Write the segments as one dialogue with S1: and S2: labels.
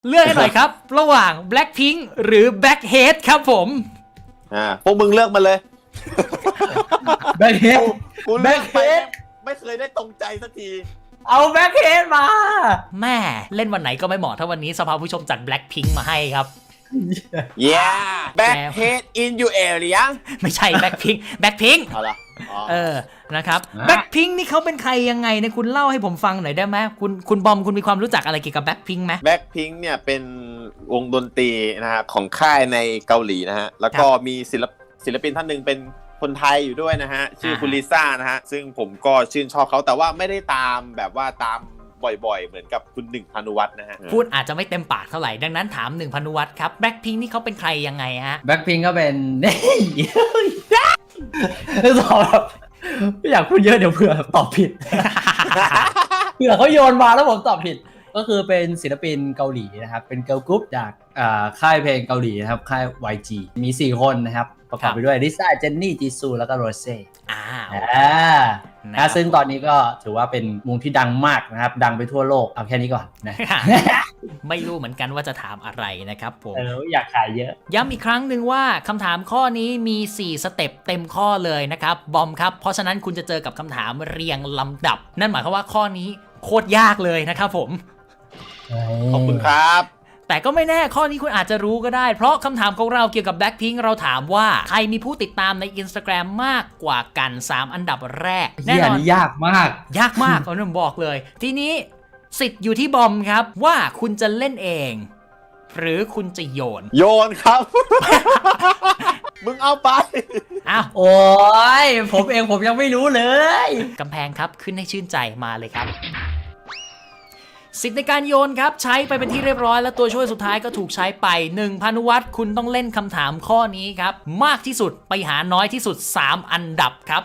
S1: เลือกให้หน่อยครับ ระหว่าง Blackpink หรือ Blackhead ครับผม
S2: พวกมึงเลือกมาเลย
S3: แบ็คเฮด
S2: กูเลือกไป
S3: Blackhead
S2: ไม่เคยได้ตรงใจสักที
S3: เอาแบ็คเฮดมา
S1: แม่เล่นวันไหนก็ไม่เหมาะถ้าวันนี้สภาผู้ชมจัด Blackpink มาให้ครับ
S2: yeah backhead in your area
S1: ไม่ใช่ Blackpink
S2: เอาละ
S1: นะครับ Blackpink นี่เขาเป็นใครยังไงเนี่ยคุณเล่าให้ผมฟังหน่อยได้ไหมคุณบอมคุณมีความรู้จักอะไรเกี่ยวกับ Blackpink ไหม
S2: Blackpink เนี่ยเป็นวงดนตรีนะฮะของค่ายในเกาหลีนะฮะแล้วก็มีศิลปินท่านหนึ่งเป็นคนไทยอยู่ด้วยนะฮะชื่อคุณลิซ่านะฮะซึ่งผมก็ชื่นชอบเขาแต่ว่าไม่ได้ตามแบบว่าตามบ่อยๆเหมือนกับคุณหนึ่งพานุวัฒน์นะฮะ
S1: พูดอาจจะไม่เต็มปากเท่าไหร่ดังนั้นถามหนึ่งพานุวัฒน์ครับ Blackpink นี่เขาเป็นใครยังไงฮะ
S3: แบ็คพิงก็เป็นตอบแบบไม่อยากพูดเยอะเดี๋ยวเผื่อตอบผิด เผื่อเขาโยนมาแล้วผมตอบผิด ก็คือเป็นศิลปินเกาหลีนะครับเป็นเกิร์ลกรุ๊ปจากค่ายเพลงเกาหลีนะครับค่าย YG มี4คนนะครับประกอบไปด้วยลิซ่าเจนนี่จีซูแล้วก็โรเซ่ซึ่งตอนนี้ก็ถือว่าเป็นวงที่ดังมากนะครับดังไปทั่วโลกเอาแค่นี้ก่อนนะ
S1: ไม่รู้เหมือนกันว่าจะถามอะไรนะครับผม
S3: อยากขายเยอะ
S1: ย้ำอีกครั้งหนึ่งว่าคำถามข้อนี้มี4สเต็ปเต็มข้อเลยนะครับบอมครับเพราะฉะนั้นคุณจะเจอกับคำถามเรียงลำดับนั่นหมายความว่าข้อนี้โคตรยากเลยนะครับผม
S2: ขอบคุณครับ
S1: แต่ก็ไม่แน่ข้อนี้คุณอาจจะรู้ก็ได้เพราะคำถามของเราเกี่ยวกับ Blackpink เราถามว่าใครมีผู้ติดตามใน Instagram มากกว่ากัน3อันดับแรกแน่นอน
S3: ยากมาก
S1: ยากมากผมบอกเลยทีนี้สิทธิ์อยู่ที่บอมครับว่าคุณจะเล่นเอง หรือคุณจะโยน
S2: ครับ มึงเอาไป
S1: อ้าว
S3: โอ้ยผมเองผมยังไม่รู้เลย
S1: กำแพงครับขึ้นให้ชื่นใจมาเลยครับสิทธิ์ในการโยนครับใช้ไปเป็นที่เรียบร้อยและตัวช่วยสุดท้ายก็ถูกใช้ไป1พานุวัฒน์คุณต้องเล่นคำถามข้อนี้ครับมากที่สุดไปหาน้อยที่สุด3อันดับครับ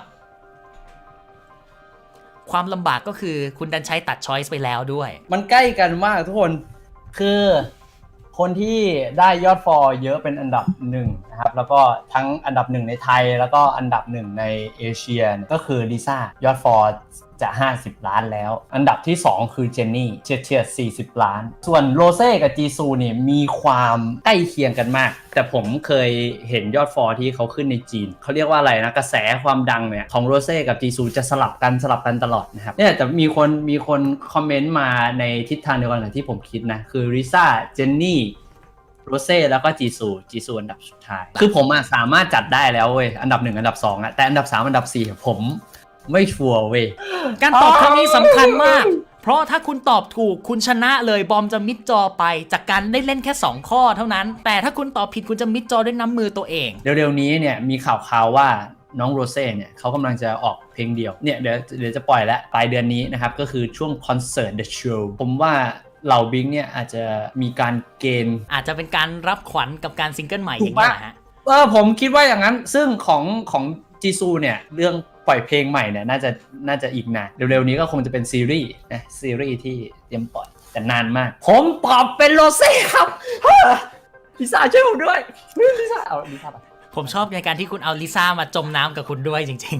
S1: ความลำบากก็คือคุณดันใช้ตัดช้อยส์ไปแล้วด้วย
S3: มันใกล้กันมากทุกคนคือคนที่ได้ยอดฟอลเยอะเป็นอันดับ1นะครับแล้วก็ทั้งอันดับ1ในไทยแล้วก็อันดับ1ในเอเชียก็คือลิซ่ายอดฟอลจะ50ล้านแล้วอันดับที่2คือเจนนี่เฉียด40ล้านส่วนโรเซ่กับจีซูเนี่ยมีความใกล้เคียงกันมากแต่ผมเคยเห็นยอดฟอลที่เขาขึ้นในจีนเขาเรียกว่าอะไรนะกระแสความดังเนี่ยของโรเซ่กับจีซูจะสลับกันตลอดนะครับเนี่ยแต่มีคนคอมเมนต์มาในทิศทางเดียวกันกับที่ผมคิดนะคือลิซ่าเจนนี่โรเซ่แล้วก็จีซูอันดับสุดท้ายคือผมสามารถจัดได้แล้วเว้ยอันดับ1อันดับ2แต่อันดับ3อันดับ4ผมไม่ชัวร์เว้ย
S1: การตอบครั้งนี้สำคัญมากเพราะถ้าคุณตอบถูกคุณชนะเลยบอมจะมิดจอไปจากการได้เล่นแค่2ข้อเท่านั้นแต่ถ้าคุณตอบผิดคุณจะมิดจอด้วยน้ำมือตัวเอง
S3: เร็วๆนี้เนี่ยมีข่าวว่าน้องโรเซ่เนี่ยเขากำลังจะออกเพลงเดียวเนี่ยเดี๋ยวจะปล่อยแล้วปลายเดือนนี้นะครับก็คือช่วงคอนเสิร์ต The Show ผมว่าเหล่าบิงเนี่ยอาจจะมีการเกณฑ์
S1: อาจจะเป็นการรับขวัญกับการซิงเกิลใหม่อย่างนี้แหละฮะ
S3: ผมคิดว่าอย่างนั้นซึ่งของจีซูเนี่ยเรื่องปล่อยเพลงใหม่เนี่ยน่าจะอีกนานเร็วๆนี้ก็คงจะเป็นซีรีส์นะซีรีส์ที่เตรียมปล่อยแต่นานมากผมตอบเป็นโรเซ่ครับลิซ่าช่วยผมด้วยลิซ่าเอาลิซ่าไป
S1: ผมชอบในการที่คุณเอาลิซ่ามาจมน้ำกับคุณด้วยจริง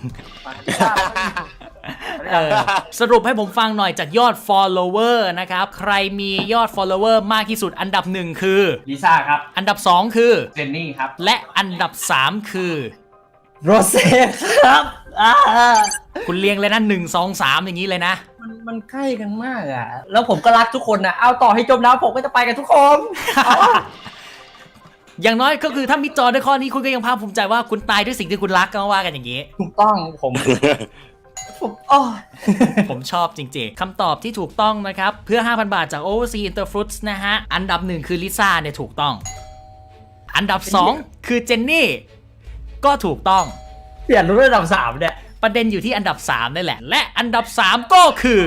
S1: ๆสรุปให้ผมฟังหน่อยจากยอด follower นะครับใครมียอด follower มากที่สุดอันดับ1คือ
S3: ลิซ่าครับ
S1: อันดับ2คือ
S3: เจนนี่ครับ
S1: และอันดับ3คือ
S3: โรเซ่ครับ
S1: คุณเรียงเลยนะ1 2 3อย่างนี้เลยนะ
S3: มันใกล้กันมากแล้วผมก็รักทุกคนนะเอาต่อให้จมน้ำผมก็จะไปกับทุกคน
S1: อย่างน้อยก็คือถ้ามิดจอด้วยข้อนี้คุณก็ยังภาคภูมิใจว่าคุณตายด้วยสิ่งที่คุณรักก็ว่ากันอย่างนี้
S3: ถูกต้อง
S1: ผมชอบจริงๆคำตอบที่ถูกต้องนะครับเพื่อ 5,000 บาทจาก Overseas Interfruits นะฮะอันดับ1คือลิซ่าเนี่ยถูกต้องอันดับ2คือเจนนี่ก็ถูกต้อง
S3: เปลี่ยนรุ่นอันดับ3เนี่ย
S1: ประเด็นอยู่ที่อันดับ3นั่นแหละและอันดับ3ก็คือ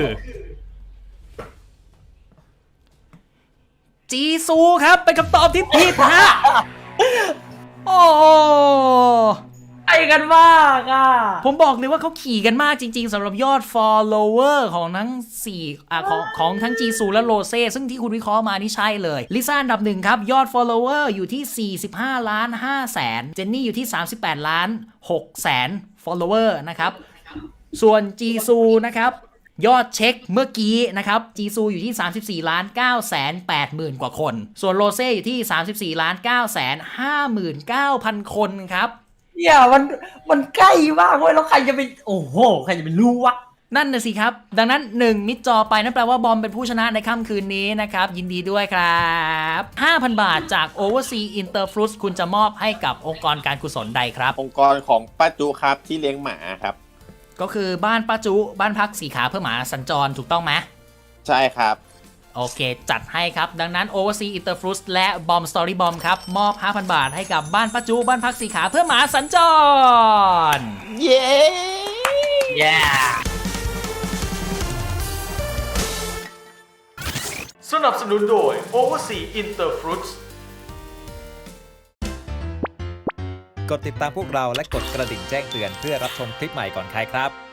S1: จีซูครับเป็นคำตอบที่ผิดฮะโอ้
S3: ไอ้กันมาก
S1: ผมบอกเลยว่าเขาขี่กันมากจริงๆสำหรับยอด follower ของทั้ง4ของทั้งจีซูและโรเซ่ซึ่งที่คุณวิเคราะห์มานี่ใช่เลยลิซ่าอันดับ1ครับยอด follower อยู่ที่45ล้าน5แสนเจนนี่อยู่ที่38ล้าน6แสน follower นะครับส่วนจีซูนะครับยอดเช็คเมื่อกี้นะครับจีซูอยู่ที่ 34,980,000 กว่าคน ส่วนโรเซ่อยู่ที่ 34,959,000 คนครับ
S3: เนี่ยมันใกล้มากเว้ยแล้วใครจะไปโอ้โหใครจะไปรู้วะ
S1: นั่นน่ะสิครับ ดังนั้น 1 มิดจอไปนั่นแปลว่าบอมเป็นผู้ชนะในค่ำคืนนี้นะครับ ยินดีด้วยครับ 5,000 บาทจาก Oversea Interfruits คุณจะมอบให้กับองค์กรการกุศลใดครับ
S2: องค์กรของป้าจุครับที่เลี้ยงหมาครับ
S1: ก็คือบ้านป้าจุบ้านพักสีขาเพื่อหมาสัญจรถูกต้องไหม
S2: ใช่ครับ
S1: โอเค จัดให้ครับ ดังนั้น Oversea Interfruits และ Bomb Story Bomb ครับ มอบ 5,000 บาทให้กับบ้านป้าจุบ้านพักสีขาเพื่อหมาสัญจร
S2: เย้
S1: สนับสนุนโดย Oversea Interfruits
S4: กดติดตามพวกเราและกดกระดิ่งแจ้งเตือนเพื่อรับชมคลิปใหม่ก่อนใครครับ